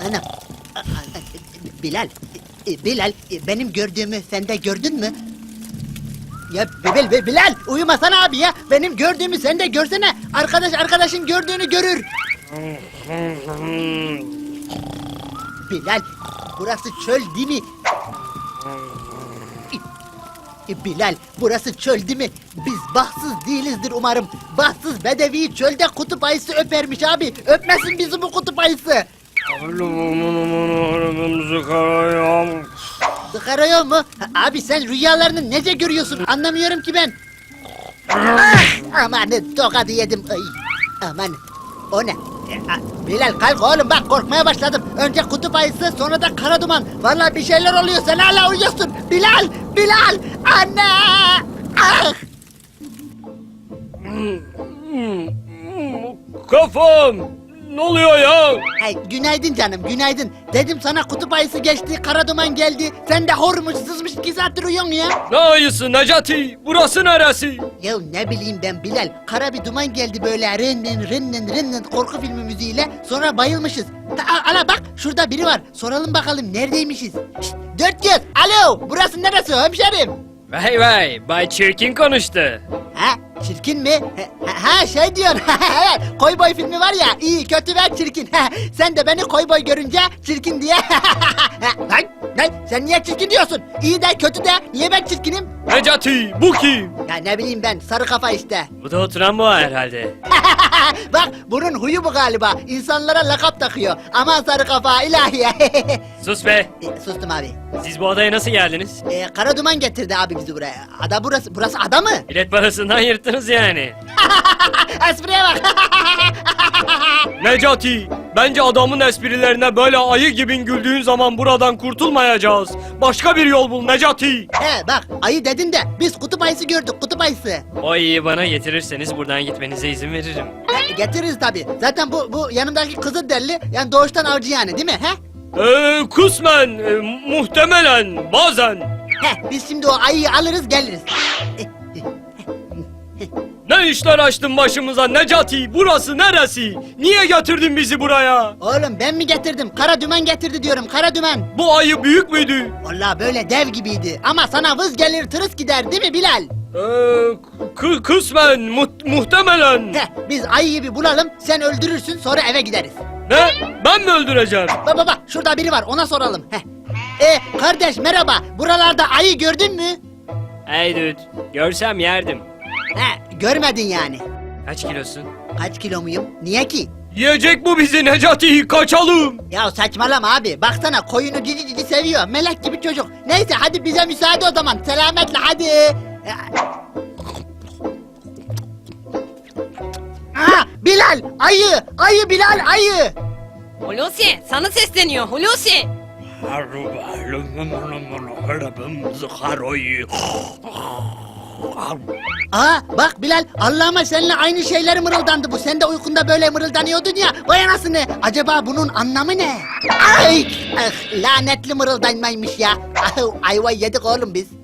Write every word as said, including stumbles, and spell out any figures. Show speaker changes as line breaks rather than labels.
Anam. A- a- Bilal, e, Bilal, e, benim gördüğümü sen de gördün mü? Ya Bilal, Bilal, Bilal, uyumasana abi ya. Benim gördüğümü sen de görsene. Arkadaş arkadaşın gördüğünü görür. Bilal, burası çöl değil mi? E, Bilal, burası çöl değil mi? Biz bahtsız değilizdir umarım. Bahtsız bedevi çölde kutup ayısı öpermiş abi. Öpmesin bizi bu kutup ayısı. Sıkarıyor mu? Ha, abi sen rüyalarını nece görüyorsun? Anlamıyorum ki ben. Ah, aman tokadı yedim. Ay, aman. O ne? E, a- Bilal kalk oğlum bak korkmaya başladım. Önce kutup ayısı sonra da kara duman. Vallahi bir şeyler oluyor sen hala uyuyorsun. Bilal! Bilal! Anne! Ah!
Kafam! Ne oluyor ya?
Hey, günaydın canım günaydın. Dedim sana kutup ayısı geçti, kara duman geldi. Sen de hormuş sızmış iki saattir uyuyorsun ya.
Ne ayısı Necati? Burası neresi?
Ya ne bileyim ben Bilal. Kara bir duman geldi böyle rinnin rinnin rinnin korku filmi müziğiyle. Sonra bayılmışız. Ha, ala bak şurada biri var. Soralım bakalım neredeymişiz. Şşt, dört göz. Alo burası neresi hemşerim?
Vay vay, Bay Çirkin konuştu.
Ha çirkin mi? Ha, ha şey diyorsun. Evet Koy Boy filmi var ya iyi kötü ve çirkin. Sen de beni Koy Boy görünce çirkin diye. Lan, lan sen niye çirkin diyorsun? İyi de kötü de niye ben çirkinim?
Necati, bu kim?
Ya ne bileyim ben sarı kafa işte.
Bu da oturan bu herhalde.
Bak bunun huyu bu galiba. İnsanlara lakap takıyor. Aman sarı kafa ilahi.
Sus be!
E, Sustum abi.
Siz bu odaya nasıl geldiniz?
E, kara duman getirdi abi bizi buraya. Ada burası. Burası ada mı?
Bilet parasından yırttınız yani.
Espriye bak.
Necati, bence adamın esprilerine böyle ayı gibi güldüğün zaman buradan kurtulmayacağız. Başka bir yol bul Necati.
He bak ayı dedin de biz kutup ayısı gördük kutup ayısı.
O ayıyı bana getirirseniz buradan gitmenize izin veririm.
E, getiririz tabi. Zaten bu bu yanımdaki kızı derli. Yani doğuştan avcı yani değil mi? He?
Ee, kısmen, e, muhtemelen, bazen.
He biz şimdi o ayıyı alırız geliriz. E,
Ne işler açtın başımıza Necati? Burası neresi? Niye getirdin bizi buraya?
Oğlum ben mi getirdim? Kara dümen getirdi diyorum kara dümen.
Bu ayı büyük müydü?
Vallahi böyle dev gibiydi. Ama sana vız gelir tırıs gider değil mi Bilal?
Ee, k- kısmen, mu- muhtemelen.
Heh, biz ayıyı bir bulalım, sen öldürürsün sonra eve gideriz.
Ne? Ben mi öldüreceğim?
Baba bak şurada biri var ona soralım. Heh. E kardeş merhaba, buralarda ayı gördün mü?
Hey dude, görsem yerdim.
He, görmedin yani.
Kaç kilosun?
Kaç kilo muyum? Niye ki?
Yiyecek bu bizi Necati, kaçalım.
Ya saçmalama abi, baksana koyunu cici cici seviyor, melek gibi çocuk. Neyse hadi bize müsaade o zaman, selametle hadi. E, Aa, Bilal, ayı, ayı Bilal, ayı.
Hulusi sana sesleniyor Hulusi.
Aa bak Bilal Allah'ıma seninle aynı şeyler mırıldandı bu. Sen de uykunda böyle mırıldanıyordun ya. Vay anasını. Acaba bunun anlamı ne? Ay ah, lanetli mırıldanmaymış ya. Ah, ayva yedik oğlum biz.